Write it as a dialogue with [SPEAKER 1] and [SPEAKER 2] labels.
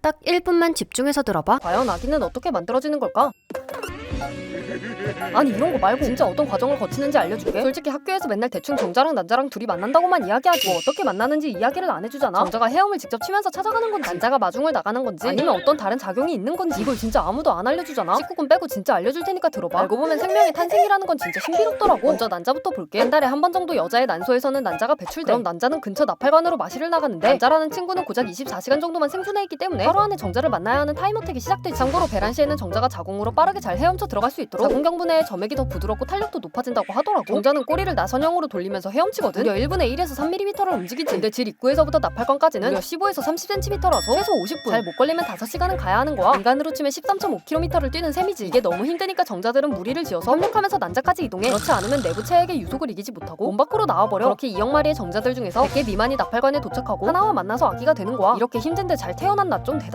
[SPEAKER 1] 딱 1분만 집중해서 들어봐.
[SPEAKER 2] 과연 아기는 어떻게 만들어지는 걸까? 아니 이런 거 말고 진짜 어떤 과정을 거치는지 알려줄게. 솔직히 학교에서 맨날 대충 정자랑 난자랑 둘이 만난다고만 이야기하지 뭐 어떻게 만나는지 이야기를 안 해주잖아. 정자가 헤엄을 직접 치면서 찾아가는 건지 난자가 마중을 나가는 건지 아니면 어떤 다른 작용이 있는 건지 이걸 진짜 아무도 안 알려주잖아. 19금 빼고 진짜 알려줄 테니까 들어봐. 알고 보면 생명의 탄생이라는 건 진짜 신비롭더라고. 먼저 난자부터 볼게. 한 달에 한 번 정도 여자의 난소에서는 난자가 배출돼. 그럼 난자는 근처 나팔관으로 마실을 나가는데 난자라는 친구는 고작 24시간 정도만 생존해 있기 때문에 하루 안에 정자를 만나야 하는 타임어택이 시작되지. 참고로 배란 시에는 정자가 자궁으로 빠르게 잘 헤엄쳐 들어갈 수 있도록 자궁경부내에 점액이 더 부드럽고 탄력도 높아진다고 하더라고. 정자는 꼬리를 나선형으로 돌리면서 헤엄치거든. 무려 1분에 1에서 3mm를 움직이지. 근데 질 입구에서부터 나팔관까지는 무려 15에서 30cm라서 최소 50분. 잘 못 걸리면 5시간은 가야 하는 거야. 인간으로 치면 13.5km를 뛰는 셈이지. 이게 너무 힘드니까 정자들은 무리를 지어서 협력하면서 난자까지 이동해. 그렇지 않으면 내부 체액의 유속을 이기지 못하고 몸 밖으로 나와버려. 그렇게 2억 마리의 정자들 중에서 100개 미만이 나팔관에 도착하고 하나와 만나서 아기가 되는 거야. 이렇게 힘든데 잘 태어난 나 좀